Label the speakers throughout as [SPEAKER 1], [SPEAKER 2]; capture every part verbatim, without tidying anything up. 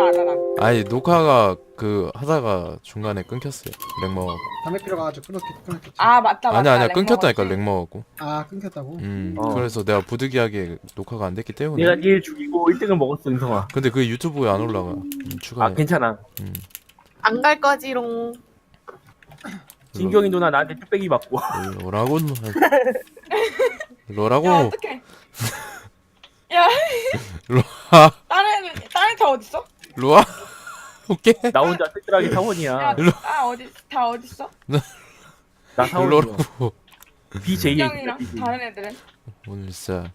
[SPEAKER 1] 알아 난.
[SPEAKER 2] 아니 녹화가 그 하다가 중간에 끊겼어요. 렉 먹어.
[SPEAKER 3] 담배 피러 가가지고 끊었겠, 끊었겠지.
[SPEAKER 1] 아 맞다 맞다.
[SPEAKER 2] 아니야 아니야
[SPEAKER 1] 렉
[SPEAKER 2] 끊겼다니까
[SPEAKER 1] 먹었지.
[SPEAKER 2] 렉 먹었고.
[SPEAKER 3] 아 끊겼다고?
[SPEAKER 2] 음
[SPEAKER 4] 어.
[SPEAKER 2] 그래서 내가 부득이하게 녹화가 안 됐기 때문에.
[SPEAKER 4] 내가 니를 죽이고 일 등을 먹었어 은성아.
[SPEAKER 2] 근데 그 유튜브에 안 올라가. 음, 추가해.
[SPEAKER 4] 아 괜찮아.
[SPEAKER 2] 음.
[SPEAKER 5] 안 갈 거지롱.
[SPEAKER 4] 진경이 누나 나한테 뚝배기 맞고.
[SPEAKER 2] 뭐라고? 뭐라고?
[SPEAKER 1] 야 어떡해. 야
[SPEAKER 2] 로아
[SPEAKER 1] 다른 다른 다 어딨어?
[SPEAKER 2] 로아 오케이.
[SPEAKER 4] 나 혼자 쓸쓸하게 사원이야.
[SPEAKER 1] 야,
[SPEAKER 2] 일로-
[SPEAKER 1] 아 어디 다 어딨어?
[SPEAKER 4] 나 사원이야.
[SPEAKER 2] 로라고.
[SPEAKER 4] 비제이의
[SPEAKER 1] 형이랑 다른 애들은?
[SPEAKER 2] 오늘 진짜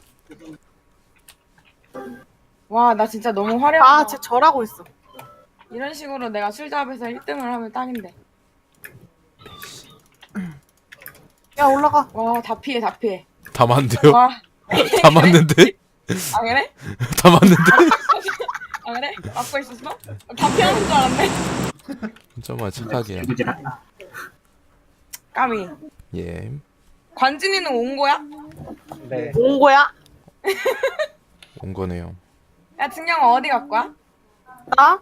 [SPEAKER 1] 와 나 진짜 너무 화려하다.
[SPEAKER 5] 아, 쟤 절하고 있어.
[SPEAKER 1] 이런 식으로 내가 술잡에서 일 등을 하면 딱인데.
[SPEAKER 5] 야, 올라가.
[SPEAKER 1] 와 다 피해 다 피해.
[SPEAKER 2] 다 맞는데요?
[SPEAKER 1] 와.
[SPEAKER 2] 다 맞는데?
[SPEAKER 1] 아 그래?
[SPEAKER 2] 다 맞는데?
[SPEAKER 1] 아 그래? 맞고 있었어? 다 피하는 줄 알았네.
[SPEAKER 2] 정말 착하게.
[SPEAKER 1] 까미.
[SPEAKER 2] 예.
[SPEAKER 1] 관진이는 온 거야?
[SPEAKER 3] 네.
[SPEAKER 5] 온 거야?
[SPEAKER 2] 온 거네요.
[SPEAKER 1] 야 진경아 어디 갈 거야?
[SPEAKER 5] 나?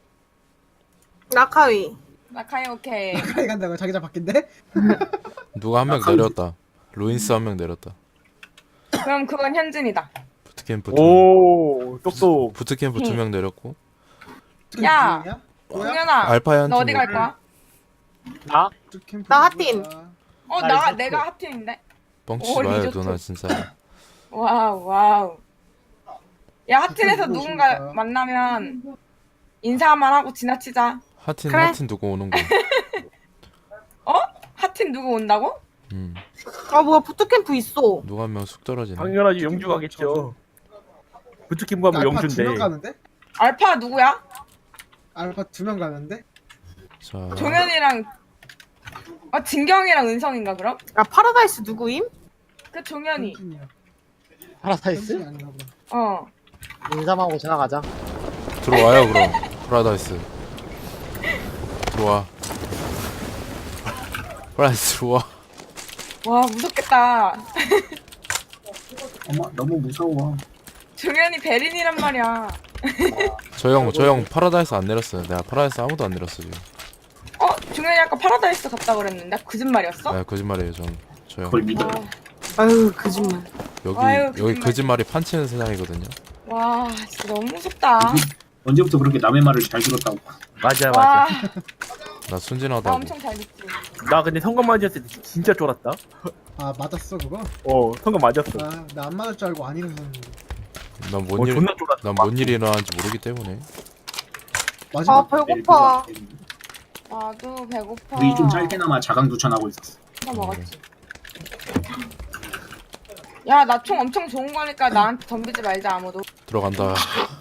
[SPEAKER 5] 라카위.
[SPEAKER 1] 나 카이 오케이.
[SPEAKER 3] 가이 간다고 자기장 바뀐대?
[SPEAKER 2] 누가 한 명 내렸다. 로인스 한 명 내렸다.
[SPEAKER 1] 그럼 그건 현진이다.
[SPEAKER 2] 부트캠프 두
[SPEAKER 4] 오 똑똑.
[SPEAKER 2] 부트캠프 두 명 내렸고.
[SPEAKER 1] 야!
[SPEAKER 3] 누구야? 뭐야?
[SPEAKER 1] 동현아
[SPEAKER 2] 알파야 한
[SPEAKER 1] 너
[SPEAKER 2] 팀
[SPEAKER 1] 어디 갈
[SPEAKER 2] 내렸고.
[SPEAKER 1] 거야?
[SPEAKER 4] 나?
[SPEAKER 3] 캠프
[SPEAKER 5] 나
[SPEAKER 3] 누구야?
[SPEAKER 5] 하틴.
[SPEAKER 1] 어
[SPEAKER 4] 나
[SPEAKER 1] 나
[SPEAKER 4] 리조트.
[SPEAKER 1] 내가 하틴인데.
[SPEAKER 2] 뻥치지
[SPEAKER 1] 오,
[SPEAKER 2] 마요
[SPEAKER 1] 리조트.
[SPEAKER 2] 누나 진짜.
[SPEAKER 1] 와우 와우. 야 하틴에서
[SPEAKER 3] 누구
[SPEAKER 1] 누군가
[SPEAKER 3] 오십니까?
[SPEAKER 1] 만나면 인사만 하고 지나치자.
[SPEAKER 2] 하틴
[SPEAKER 5] 그래.
[SPEAKER 2] 하틴 두고 오는 거.
[SPEAKER 1] 어? 하틴 누구 온다고?
[SPEAKER 2] 음
[SPEAKER 5] 아, 뭐야, 부트캠프 있어.
[SPEAKER 2] 누가 한 명 쑥 떨어지네.
[SPEAKER 4] 당연하지 영주 가겠죠. 부트킴 가면
[SPEAKER 3] 알파 두 명
[SPEAKER 4] 영주인데.
[SPEAKER 3] 가는데?
[SPEAKER 1] 알파 누구야?
[SPEAKER 3] 알파 두 명 가는데?
[SPEAKER 2] 자
[SPEAKER 1] 종현이랑 어 진경이랑 은성인가 그럼?
[SPEAKER 5] 야, 파라다이스 누구임?
[SPEAKER 1] 그 종현이.
[SPEAKER 3] 현진이야.
[SPEAKER 6] 파라다이스?
[SPEAKER 3] 현진이 아닌가 보다.
[SPEAKER 1] 어.
[SPEAKER 6] 인삼하고 지나가자.
[SPEAKER 2] 들어와요 그럼. 파라다이스. 들어와. 파라다이스 들어와.
[SPEAKER 1] 와 무섭겠다.
[SPEAKER 7] 어머 너무 무서워.
[SPEAKER 1] 종현이 베린이란 말이야.
[SPEAKER 2] 저 형 저 형 파라다이스 안 내렸어요. 내가 파라다이스 아무도 안 내렸어 지금.
[SPEAKER 1] 어? 종현이 아까 파라다이스 갔다 그랬는데 거짓말이었어?
[SPEAKER 2] 아 거짓말이에요 전. 저 형.
[SPEAKER 7] 그걸 믿어.
[SPEAKER 1] 와,
[SPEAKER 5] 아유, 거짓말.
[SPEAKER 2] 여기
[SPEAKER 1] 아유,
[SPEAKER 2] 여기
[SPEAKER 1] 거짓말.
[SPEAKER 2] 거짓말이 판치는 세상이거든요.
[SPEAKER 1] 와 진짜 너무 무섭다.
[SPEAKER 7] 언제부터 그렇게 남의 말을 잘 들었다고.
[SPEAKER 4] 맞아
[SPEAKER 1] 와,
[SPEAKER 4] 맞아.
[SPEAKER 2] 나
[SPEAKER 1] 나
[SPEAKER 2] 순진하다고.
[SPEAKER 1] 엄청 잘 믿지.
[SPEAKER 4] 나 근데 성공 맞았을 때 진짜 쫄았다.
[SPEAKER 3] 아 맞았어 그거?
[SPEAKER 4] 어 성공 맞았어.
[SPEAKER 3] 아 나 안 맞을 줄 알고 안 일어섰는데.
[SPEAKER 4] 어
[SPEAKER 2] 난뭔 일,
[SPEAKER 4] 존나 쫄았다.
[SPEAKER 2] 난뭔 일이 일어나는지 모르기 때문에.
[SPEAKER 3] 마지막
[SPEAKER 5] 아, 배고파.
[SPEAKER 1] 나도 배고파.
[SPEAKER 7] 우리 좀 짧게나마 자강두천하고 있었어.
[SPEAKER 1] 나 먹었지. 야, 나 총 엄청 좋은 거니까 나한테 덤비지 말자 아무도.
[SPEAKER 2] 들어간다.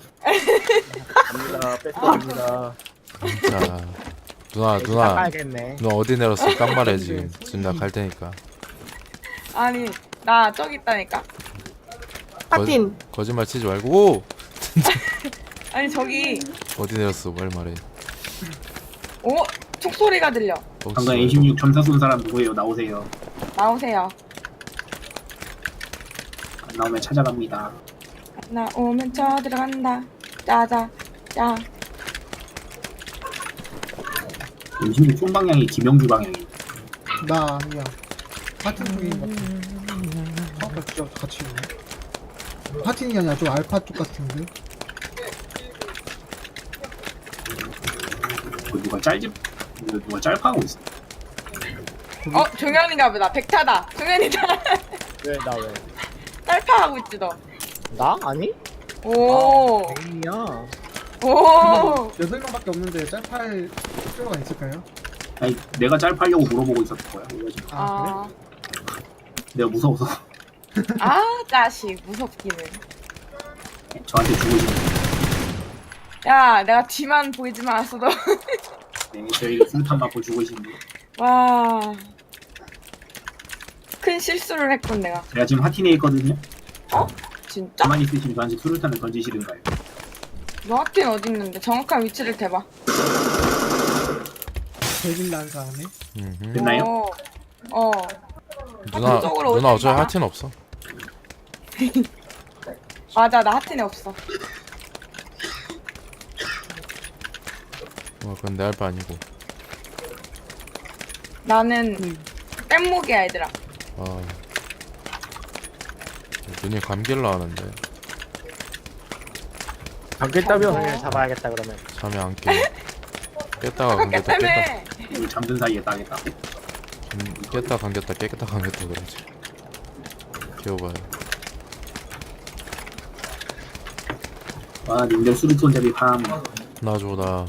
[SPEAKER 4] 갑니다. 뺏어갑니다.
[SPEAKER 2] 자 누나 누나
[SPEAKER 6] 닦아야겠네.
[SPEAKER 2] 누나 어디 내렸어? 딱 말해 지금. 지금 나 갈 테니까.
[SPEAKER 1] 아니, 나 저기 있다니까.
[SPEAKER 5] 하틴.
[SPEAKER 2] 거짓말 치지 말고. 오!
[SPEAKER 1] 아니 저기,
[SPEAKER 2] 어디 내렸어? 말 말해.
[SPEAKER 1] 오, 촉소리가 들려.
[SPEAKER 2] 뻥치지
[SPEAKER 7] 방금
[SPEAKER 2] 말고.
[SPEAKER 7] 에이십육 전사 쏜 사람 누구예요? 나오세요.
[SPEAKER 1] 나오세요.
[SPEAKER 7] 안 나오면 찾아갑니다.
[SPEAKER 1] 나오면 쳐 들어간다. 짜자, 짜.
[SPEAKER 7] 에이십육 쏜 방향이 김영주 방향이.
[SPEAKER 3] 나 아니야. 하틴 쪽인 것 같아. 아까 진짜 같이 있네. 하틴이 아니라 좀 알파 쪽 같은데?
[SPEAKER 7] 그 누가 짤집 누가 짤파하고 있어.
[SPEAKER 1] 어, 종현이가 보다. 백타다. 종현이다.
[SPEAKER 6] 왜, 나 왜?
[SPEAKER 1] 딸파하고 있지 너.
[SPEAKER 6] 나? 아니?
[SPEAKER 1] 오,
[SPEAKER 6] 아니야.
[SPEAKER 1] 오.
[SPEAKER 3] 여덟 명밖에 없는데 짤파할 필요가 있을까요?
[SPEAKER 7] 아니 내가 짤파려고 물어보고 있었을 거야. 그래가지고
[SPEAKER 3] 아,
[SPEAKER 1] 아,
[SPEAKER 7] 내가 무서워서
[SPEAKER 1] 아, 자식 무섭기는.
[SPEAKER 7] 저한테 주고 싶은.
[SPEAKER 1] 야, 내가 뒤만 보이지만 않았어도.
[SPEAKER 7] 네, 저에게 술탄 맞고 주고 싶은.
[SPEAKER 1] 와. 큰 실수를 했군 내가.
[SPEAKER 7] 제가 지금 하틴에 있거든요.
[SPEAKER 1] 진짜?
[SPEAKER 7] 가만히 있으시면 저한테 수류탄을 던지시든가요.
[SPEAKER 1] 너 하틴 어디 있는데? 정확한 위치를 대봐.
[SPEAKER 3] 대진 난 사람이?
[SPEAKER 2] 음흠.
[SPEAKER 7] 됐나요?
[SPEAKER 1] 어. 어.
[SPEAKER 2] 누나
[SPEAKER 1] 그쪽으로
[SPEAKER 2] 누나
[SPEAKER 1] 오지
[SPEAKER 2] 어차피
[SPEAKER 1] 마.
[SPEAKER 2] 하틴 없어.
[SPEAKER 1] 맞아, 나 하틴에 없어.
[SPEAKER 2] 어 그건 내 알바 아니고.
[SPEAKER 1] 나는 뗏목이야 얘들아.
[SPEAKER 2] 아 눈이 감길라 하는데
[SPEAKER 4] 잠겠다며.
[SPEAKER 6] 오늘 잡아야겠다 그러면.
[SPEAKER 2] 잠이 안 깨. 깼다가
[SPEAKER 1] 아까
[SPEAKER 2] 감겼다 깼다
[SPEAKER 1] 때문에.
[SPEAKER 7] 우리 잠든 사이에 따겠다.
[SPEAKER 2] 음, 깼다 감겼다 깼다 감겼다 그러지. 귀여워요.
[SPEAKER 7] 와 님들 수류톤 잡이 팜.
[SPEAKER 2] 나줘 나.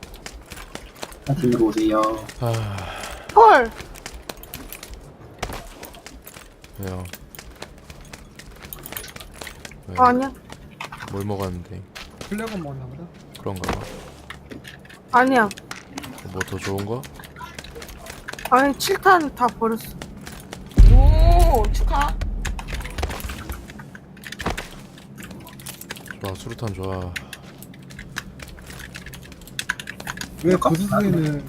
[SPEAKER 7] 파티로 오세요.
[SPEAKER 2] 아
[SPEAKER 5] 헐.
[SPEAKER 2] 왜요? 왜?
[SPEAKER 5] 아니야.
[SPEAKER 2] 뭘 먹었는데?
[SPEAKER 3] 플래곤 먹었나 보다.
[SPEAKER 2] 그런가 봐.
[SPEAKER 5] 아니야.
[SPEAKER 2] 뭐 더 좋은 거?
[SPEAKER 5] 아니 칠 탄 다 버렸어.
[SPEAKER 1] 오 축하.
[SPEAKER 2] 좋아 수류탄 좋아.
[SPEAKER 3] 왜 고수수에는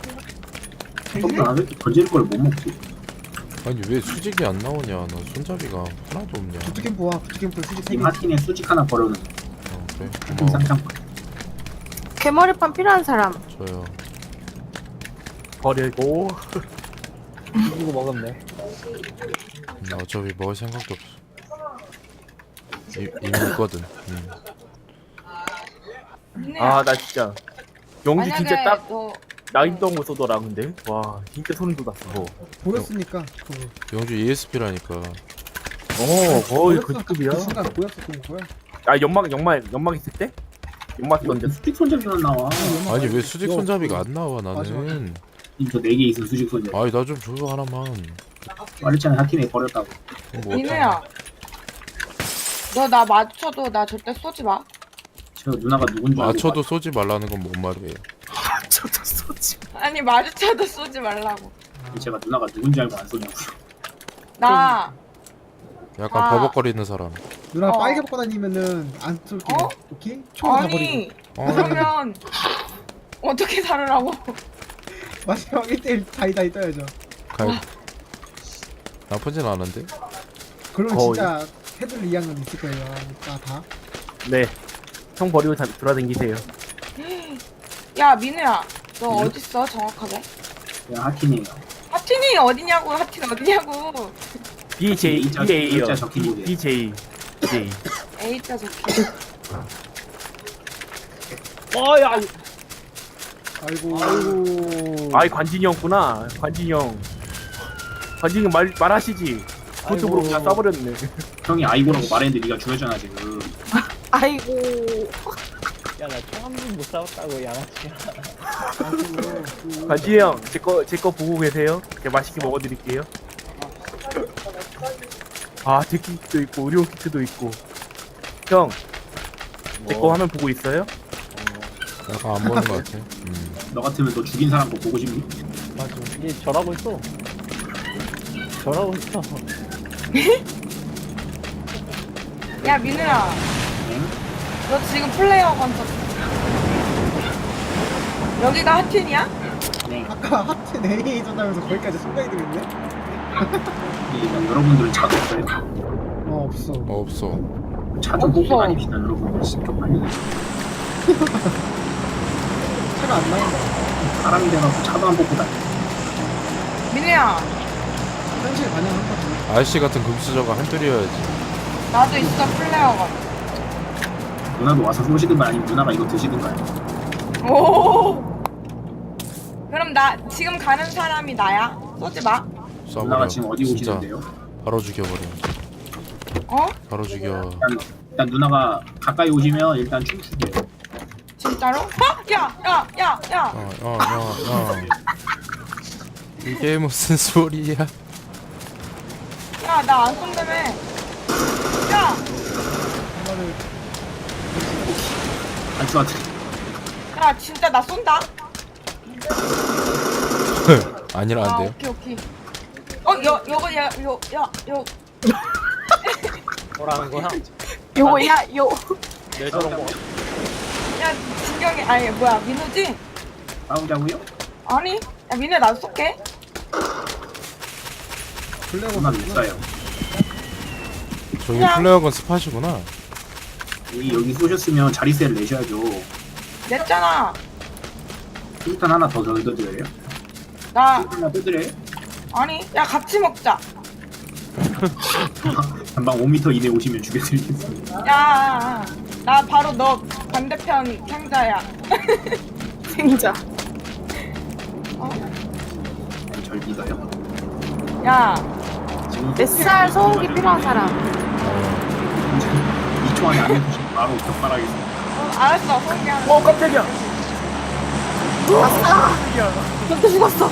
[SPEAKER 7] 나 왜 이렇게 던지는 걸 못 먹지?
[SPEAKER 2] 아니 왜 수직이 안 나오냐? 나 손잡이가 하나도 없냐?
[SPEAKER 3] 부트캠프 와. 부트캠프 수지 세
[SPEAKER 7] 님
[SPEAKER 3] 개.
[SPEAKER 7] 하틴에 수직 하나 버려놓은
[SPEAKER 2] 어 그래?
[SPEAKER 7] 하틴
[SPEAKER 2] 고마워.
[SPEAKER 7] 쌍창.
[SPEAKER 5] 개머리판 필요한 사람.
[SPEAKER 2] 저요.
[SPEAKER 4] 버리고.
[SPEAKER 6] 이거 먹으면 돼.
[SPEAKER 2] 나 어차피 먹을 생각도 없어. 이, 이미 있거든. 음.
[SPEAKER 1] 민우야.
[SPEAKER 4] 아 나 진짜. 용기 진짜
[SPEAKER 1] 만약에
[SPEAKER 4] 딱
[SPEAKER 1] 너
[SPEAKER 4] 나인던 거 쏘더라 근데. 와 진짜 소름 돋았어.
[SPEAKER 3] 보였으니까. 그거.
[SPEAKER 2] 영주 이에스피라니까.
[SPEAKER 4] 어 거의 그
[SPEAKER 3] 보였어.
[SPEAKER 4] 급이야.
[SPEAKER 3] 그 순간 보였었던 거야.
[SPEAKER 4] 아 연막 연막 연막 있을 때? 연막
[SPEAKER 7] 이거
[SPEAKER 4] 던졌어.
[SPEAKER 7] 수직 손잡이만 나와.
[SPEAKER 2] 아니 왜 수직 손잡이가 안 나와
[SPEAKER 3] 맞아,
[SPEAKER 2] 나는.
[SPEAKER 7] 저네 개 있으면 수직 손잡이.
[SPEAKER 2] 아니 나 좀 줘요 하나만.
[SPEAKER 7] 말했잖아 하틴에 버렸다고.
[SPEAKER 2] 뭐
[SPEAKER 1] 민우야. 너 나 맞춰도 나 절대 쏘지 마.
[SPEAKER 7] 저 누나가 누군 줄 알고.
[SPEAKER 2] 맞춰도 쏘지 말라는 건 뭔 말이에요?
[SPEAKER 4] 저도 쏘지.
[SPEAKER 1] 아니 마주쳐도 쏘지 말라고.
[SPEAKER 7] 봐. 제가 누나가 누군 줄 알고 안 쏘냐고.
[SPEAKER 1] 나
[SPEAKER 2] 약간
[SPEAKER 1] 아.
[SPEAKER 2] 버벅거리는 사람.
[SPEAKER 3] 누나
[SPEAKER 1] 어.
[SPEAKER 3] 빨개 벗고 다니면은 안 쏠게.
[SPEAKER 1] 어?
[SPEAKER 3] 오케이? 총 다 버리고.
[SPEAKER 1] 아니
[SPEAKER 2] 어,
[SPEAKER 1] 그러면 어떻게 다루라고?
[SPEAKER 3] 마지막 일 대일 다이다이 떠야죠.
[SPEAKER 2] 갈. 나쁘진 않은데?
[SPEAKER 3] 그러면
[SPEAKER 4] 거의.
[SPEAKER 3] 진짜 헤들 이양은 있을 거예요. 다 다.
[SPEAKER 4] 네. 형 버리고 다 돌아다니세요.
[SPEAKER 1] 야 민우야. 너
[SPEAKER 7] 응?
[SPEAKER 1] 어딨어 정확하게?
[SPEAKER 7] 그냥 하틴이에요.
[SPEAKER 1] 하틴이 어디냐고. 하틴 어디냐고.
[SPEAKER 4] B J
[SPEAKER 7] A자-
[SPEAKER 4] B A요.
[SPEAKER 7] A자 적힌 곳이에요.
[SPEAKER 4] B J J.
[SPEAKER 1] A자 적혀.
[SPEAKER 6] 어야.
[SPEAKER 3] 아이고.
[SPEAKER 6] 아이고.
[SPEAKER 4] 아이 관진이 형구나. 관진이 형. 관진이 형 말 말하시지. 그쪽으로
[SPEAKER 6] 아이고.
[SPEAKER 4] 그냥 쏴버렸네.
[SPEAKER 7] 형이 아이고라고 말했는데 네가 죽였잖아 지금.
[SPEAKER 5] 아이고.
[SPEAKER 6] 야나 총 한 번 못 싸웠다고 양아치야.
[SPEAKER 3] 아이고.
[SPEAKER 4] 관진이 형, 제 거 제 거 보고 계세요. 제가 맛있게 먹어드릴게요. 아, 데키트도 있고 의료 키트도 있고. 형, 제 거
[SPEAKER 2] 뭐,
[SPEAKER 4] 화면 보고 있어요?
[SPEAKER 2] 약간 안 보는 것 같아. 음.
[SPEAKER 7] 너 같으면 너 죽인 사람 거 보고 싶니?
[SPEAKER 6] 맞아. 얘 절하고 있어. 절하고 있어.
[SPEAKER 1] 야 민우야.
[SPEAKER 7] 응?
[SPEAKER 1] 너 지금 플레이어 건졌. 여기가 하틴이야?
[SPEAKER 7] 네.
[SPEAKER 3] 아까 하트 네이 줬다면서 거기까지 순간이 들었네?
[SPEAKER 7] 이 여러분들은 차도 없어요?
[SPEAKER 3] 어 없어.
[SPEAKER 2] 어, 없어.
[SPEAKER 7] 차 좀 뽑고
[SPEAKER 1] 없어.
[SPEAKER 7] 다닙시다 여러분. 신격하니
[SPEAKER 3] 차가 안 나온다.
[SPEAKER 7] 사람이 돼갖고 차도 안 뽑고 다니.
[SPEAKER 1] 민우야.
[SPEAKER 3] 현실 반영한 거지.
[SPEAKER 2] 아저씨 같은 금수저가 한둘이어야지.
[SPEAKER 1] 나도 있어 플레이어 건.
[SPEAKER 7] 누나도 와서 쏘시든가 아니면 누나가 이거 드시든가요.
[SPEAKER 1] 오. 그럼 나 지금 가는 사람이 나야? 쏘지 마.
[SPEAKER 2] 쏴버려.
[SPEAKER 7] 누나가 지금 어디
[SPEAKER 2] 진짜
[SPEAKER 7] 오시는데요?
[SPEAKER 2] 바로 죽여버려.
[SPEAKER 1] 어?
[SPEAKER 2] 바로 죽여.
[SPEAKER 7] 일단, 일단 누나가 가까이 오시면 일단 춤추게요.
[SPEAKER 1] 진짜로? 어? 야, 야, 야, 야.
[SPEAKER 2] 야, 야, 야, 야. 이게 무슨 소리야?
[SPEAKER 1] 야, 나 안 쏜다며. 야,
[SPEAKER 3] 하나를
[SPEAKER 7] 안 쏘았지.
[SPEAKER 1] 야, 진짜 나 쏜다. 아,
[SPEAKER 2] 아니라는데요?
[SPEAKER 1] 오케이, 오케이. 어, 여, 여거, 야, 요, 야, 요.
[SPEAKER 6] 뭐라는 거야?
[SPEAKER 5] 요거 야 요.
[SPEAKER 6] 내 저런 거.
[SPEAKER 1] 야, 진경이, 아니, 뭐야, 민우지?
[SPEAKER 7] 싸우자고요?
[SPEAKER 1] 아니, 야, 민우야, 나 쏠게.
[SPEAKER 3] 블랙
[SPEAKER 7] 누나 못 쏴요.
[SPEAKER 2] 저기
[SPEAKER 1] 그냥-
[SPEAKER 2] 플레어건 스팟이구나.
[SPEAKER 7] 여기 여기 쏘셨으면 자리세를 내셔야죠.
[SPEAKER 1] 냈잖아.
[SPEAKER 7] 수류탄 하나 더 넣어드려요?
[SPEAKER 1] 나
[SPEAKER 7] 하나 떠드려요?
[SPEAKER 1] 아니 야 같이 먹자.
[SPEAKER 7] 한방 오 미터 이내 오시면 죽여드리겠습니다.
[SPEAKER 1] 야 나 바로 너 반대편 상자야.
[SPEAKER 5] 생자.
[SPEAKER 7] 절 믿어요?
[SPEAKER 1] 야
[SPEAKER 7] 지금
[SPEAKER 5] 뱃살 소음기 필요한 사람.
[SPEAKER 7] 이 초 안에 안 해주시면 바로 격발하겠습니다.
[SPEAKER 1] 어, 알았어 소개 하나.
[SPEAKER 4] 어 깜짝이야.
[SPEAKER 5] 아싸! 너도 죽었어.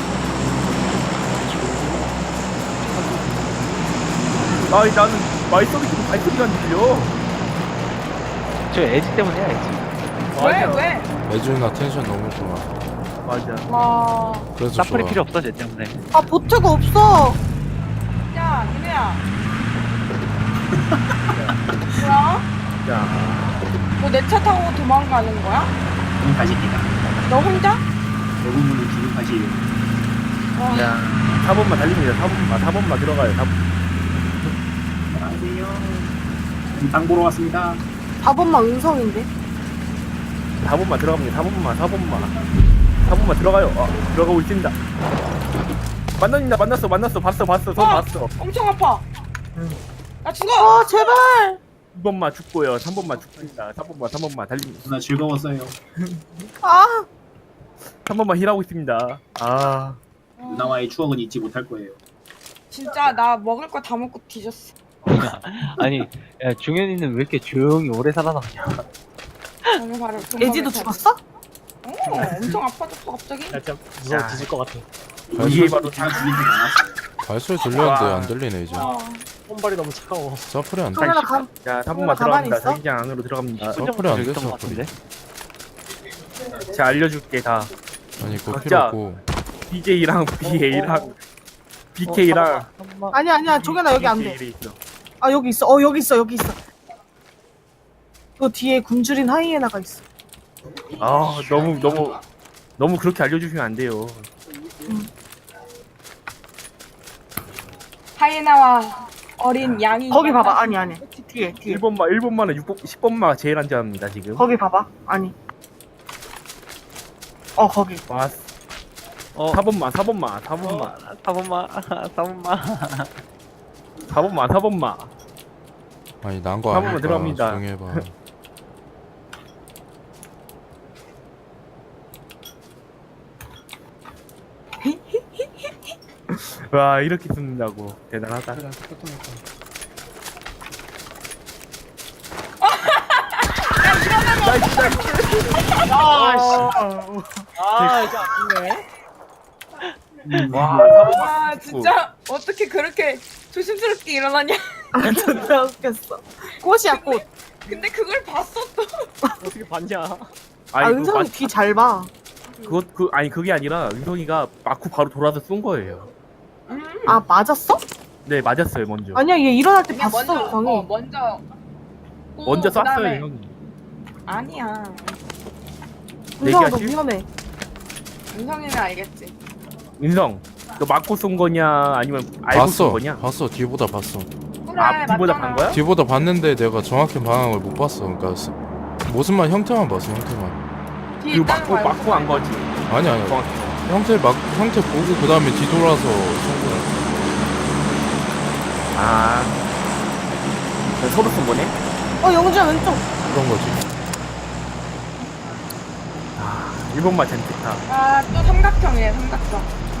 [SPEAKER 4] 아니 나는 마이서비 지금 발소리가 안 들려.
[SPEAKER 6] 저 에지 때문에야 에지.
[SPEAKER 1] 왜
[SPEAKER 4] 맞아.
[SPEAKER 1] 왜?
[SPEAKER 2] 애준이나 텐션 너무 좋아.
[SPEAKER 4] 맞아.
[SPEAKER 1] 와.
[SPEAKER 2] 그래서
[SPEAKER 6] 사플이
[SPEAKER 2] 좋아.
[SPEAKER 6] 필요 없어 쟤 때문에.
[SPEAKER 5] 아 보트가 없어.
[SPEAKER 1] 야 민우야. 뭐야?
[SPEAKER 4] 야.
[SPEAKER 1] 너 내 차 타고 도망가는 거야?
[SPEAKER 7] 지금 가십니다.
[SPEAKER 1] 너 혼자?
[SPEAKER 7] 대부분은 지금 가시에요.
[SPEAKER 1] 와.
[SPEAKER 4] 야. 사 번만 달립니다. 사 번만 사 번만 들어가요. 사 번.
[SPEAKER 7] 안녕하세요. 땅 보러 왔습니다.
[SPEAKER 5] 사 번만 은성인데.
[SPEAKER 4] 사 번만 들어갑니다. 사 번만 사 번만. 사 번만 들어가요. 어, 들어가고 있습니다. 만났습니다. 만났어. 만났어. 봤어. 봤어. 선
[SPEAKER 1] 어!
[SPEAKER 4] 봤어.
[SPEAKER 1] 엄청 아파. 나 죽어.
[SPEAKER 5] 아 제발.
[SPEAKER 4] 이 번만 죽고요. 삼 번만 죽습니다. 사 번만 삼 번만 달립니다.
[SPEAKER 7] 누나 즐거웠어요.
[SPEAKER 5] 아
[SPEAKER 4] 삼 번만 힐하고 있습니다. 아.
[SPEAKER 7] 누나와의 추억은 잊지 못할 거예요.
[SPEAKER 1] 진짜 나 먹을 거 다 먹고 뒤졌어.
[SPEAKER 6] 아니 야 중현이는 왜 이렇게 조용히 오래 살아남냐.
[SPEAKER 1] 오늘 바로
[SPEAKER 5] 에지도 죽었어?
[SPEAKER 1] 어, 엄청 아파졌어 갑자기.
[SPEAKER 4] 야, 참.
[SPEAKER 6] 무서워 뒤질 것 같아.
[SPEAKER 4] 이게 바로
[SPEAKER 7] 제가 죽이진 않았어요.
[SPEAKER 2] 발소리 들렸는데
[SPEAKER 4] 와.
[SPEAKER 2] 안 들리네 이제.
[SPEAKER 1] 어.
[SPEAKER 6] 손발이 너무 차가워.
[SPEAKER 2] 사플이 안 돼.
[SPEAKER 5] 카메라 감.
[SPEAKER 4] 자, 삼 번만
[SPEAKER 5] 가만히
[SPEAKER 4] 들어갑니다.
[SPEAKER 5] 있어?
[SPEAKER 4] 자기장 안으로 들어갑니다.
[SPEAKER 2] 서플이 안
[SPEAKER 6] 있던
[SPEAKER 2] 돼서
[SPEAKER 6] 것 같은데.
[SPEAKER 4] 자, 알려줄게 다.
[SPEAKER 2] 아니 그거
[SPEAKER 4] 각자.
[SPEAKER 2] 필요 없고.
[SPEAKER 4] 비제이랑 비에이랑 비케이랑
[SPEAKER 5] 아니야 아니야 종현아 여기 안 돼.
[SPEAKER 4] 있어.
[SPEAKER 5] 아 여기 있어. 어 여기 있어 여기 있어. 너 뒤에 굶주린 하이에나가 있어.
[SPEAKER 4] 아, 너무 너무 너무 그렇게 알려주시면 안 돼요.
[SPEAKER 1] 하이에나와 어린 양이.
[SPEAKER 5] 거기 봐봐. 아니 아니. 뒤에 뒤에.
[SPEAKER 4] 일 번만 일 번만은 육 번 십 번만 제일 안전합니다 지금.
[SPEAKER 5] 거기 봐봐. 아니. 어 거기.
[SPEAKER 4] 와,
[SPEAKER 6] 어.
[SPEAKER 4] 사 번만 사 번만 사 번만
[SPEAKER 6] 사 번만 사 번만.
[SPEAKER 4] 사 번만 사 번만.
[SPEAKER 2] 아니 난 거
[SPEAKER 4] 한 번만
[SPEAKER 2] 아니까
[SPEAKER 4] 들어갑니다.
[SPEAKER 2] 조용히 해봐.
[SPEAKER 4] 와, 이렇게 쓴다고 대단하다.
[SPEAKER 3] 그래 똑같은 거.
[SPEAKER 6] 아 이제 아프네.
[SPEAKER 4] 와,
[SPEAKER 1] 아 진짜 어떻게 그렇게 조심스럽게 일어나냐.
[SPEAKER 5] 아 존나 웃겼어. 꽃이야 꽃.
[SPEAKER 1] 근데 그걸 봤어 또.
[SPEAKER 6] 어떻게 봤냐?
[SPEAKER 5] 아
[SPEAKER 4] 아니 그
[SPEAKER 5] 은성이 뒤 잘 봐.
[SPEAKER 4] 그거 그 아니 그게 아니라 은성이가 맞고 바로 돌아서 쏜 거예요.
[SPEAKER 5] 아 맞았어?
[SPEAKER 4] 네, 맞았어요 먼저.
[SPEAKER 5] 아니야 얘 일어날 때
[SPEAKER 1] 그냥
[SPEAKER 5] 봤어
[SPEAKER 1] 먼저
[SPEAKER 5] 은성이.
[SPEAKER 1] 어, 먼저. 고,
[SPEAKER 4] 먼저 쐈어요
[SPEAKER 1] 그다음에-
[SPEAKER 4] 은성이.
[SPEAKER 1] 아니야.
[SPEAKER 5] 은성아 너
[SPEAKER 4] 얘기하실?
[SPEAKER 5] 위험해.
[SPEAKER 1] 은성이는 알겠지.
[SPEAKER 4] 은성, 너 맞고 쏜 거냐 아니면 알고 쏜
[SPEAKER 2] 봤어.
[SPEAKER 4] 거냐?
[SPEAKER 2] 봤어. 뒤보다 봤어.
[SPEAKER 1] 그래
[SPEAKER 4] 아, 뒤보다
[SPEAKER 1] 맞잖아.
[SPEAKER 4] 간 거야?
[SPEAKER 2] 뒤보다 봤는데 내가 정확히 방향을 못 봤어. 그러니까 스- 모습만 형태만 봤어. 형태만.
[SPEAKER 1] 뒤에
[SPEAKER 4] 이거
[SPEAKER 1] 있다는
[SPEAKER 4] 맞고
[SPEAKER 1] 거 알고
[SPEAKER 4] 맞고 간 거지.
[SPEAKER 2] 아니 아니.
[SPEAKER 4] 정확히.
[SPEAKER 2] 형태 막 형태 보고 그 다음에 뒤돌아서 쏜 거야.
[SPEAKER 4] 아, 서로 쏜 거네?
[SPEAKER 5] 어 영주야 왼쪽.
[SPEAKER 2] 그런 거지.
[SPEAKER 4] 일 번만 젠트타.
[SPEAKER 1] 아또 삼각형이네 삼각형.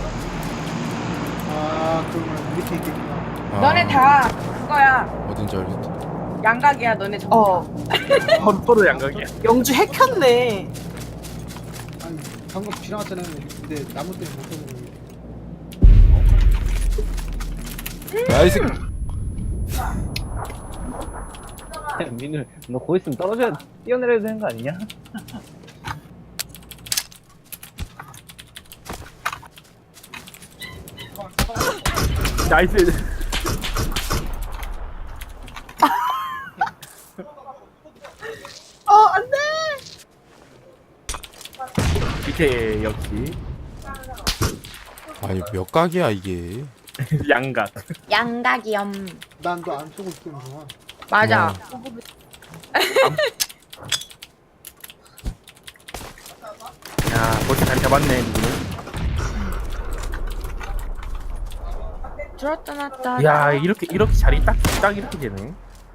[SPEAKER 3] 아 그러면 밑에 있겠구나.
[SPEAKER 2] 아,
[SPEAKER 1] 너네 다 그거야.
[SPEAKER 2] 어딘지 알겠다.
[SPEAKER 1] 양각이야 너네 전부.
[SPEAKER 5] 어
[SPEAKER 4] 서로, 서로 양각이야.
[SPEAKER 5] 영주 핵혔네.
[SPEAKER 3] 아니 방금 지나갔잖아요. 근데 나무 때문에 못 보는 거.
[SPEAKER 2] 나이스.
[SPEAKER 6] 민우 너 거기 있으면 떨어져야 뛰어내려야 되는 거 아니냐?
[SPEAKER 4] 나이스.
[SPEAKER 5] 어 안돼.
[SPEAKER 4] 밑에 역시
[SPEAKER 2] 아니 몇 각이야 이게.
[SPEAKER 4] 양각.
[SPEAKER 1] 양각이염.
[SPEAKER 3] 난너 안 쏘고 있던 동안.
[SPEAKER 1] 맞아.
[SPEAKER 2] 어.
[SPEAKER 4] 야, 벌써 자리 잡았네 누구는.
[SPEAKER 1] 들었다 놨다.
[SPEAKER 4] 야 이렇게 이렇게 자리 딱 딱 이렇게 되네.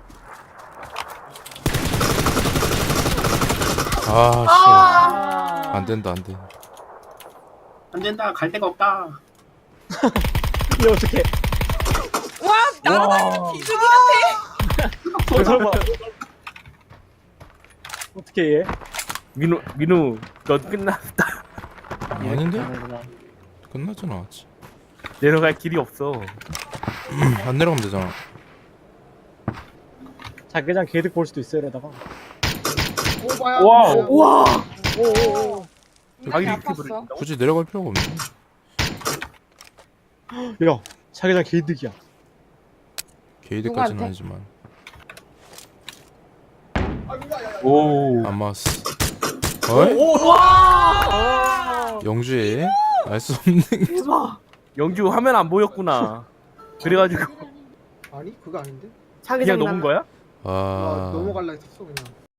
[SPEAKER 2] 아씨 안 된다 안 돼.
[SPEAKER 7] 안 된다. 갈 데가 없다.
[SPEAKER 6] 이게 어떻게?
[SPEAKER 1] 와 날아다니는 비둘기 같아.
[SPEAKER 6] 설마. 어떻게 해?
[SPEAKER 4] 민우 민우 너 끝났다.
[SPEAKER 2] 아닌데?
[SPEAKER 6] 가는구나.
[SPEAKER 2] 끝나진 않았지.
[SPEAKER 4] 내려갈 길이 없어.
[SPEAKER 2] 안 내려가면 되잖아.
[SPEAKER 6] 자기장 개득 볼 수도 있어 이러다가.
[SPEAKER 3] 오바야.
[SPEAKER 4] 와우.
[SPEAKER 5] 우와.
[SPEAKER 6] 오오오.
[SPEAKER 4] 자기
[SPEAKER 1] 이렇게
[SPEAKER 4] 이렇게
[SPEAKER 1] 아팠어.
[SPEAKER 4] 부른다고?
[SPEAKER 2] 굳이 내려갈 필요가 없네.
[SPEAKER 6] 야 자기장 개득이야.
[SPEAKER 2] 게이드까지는
[SPEAKER 1] 누구한테?
[SPEAKER 2] 아니지만
[SPEAKER 4] 오.
[SPEAKER 2] 안 맞았어. 어이?
[SPEAKER 5] 우와.
[SPEAKER 2] 영주에 알 수 없는
[SPEAKER 5] 대박.
[SPEAKER 4] 영주 화면 안 보였구나. 그래가지고
[SPEAKER 3] 아니 그거 아닌데?
[SPEAKER 4] 그냥
[SPEAKER 5] 자기장
[SPEAKER 4] 넘은 거야?
[SPEAKER 3] 나
[SPEAKER 2] 아
[SPEAKER 3] 넘어갈라 했었어 그냥.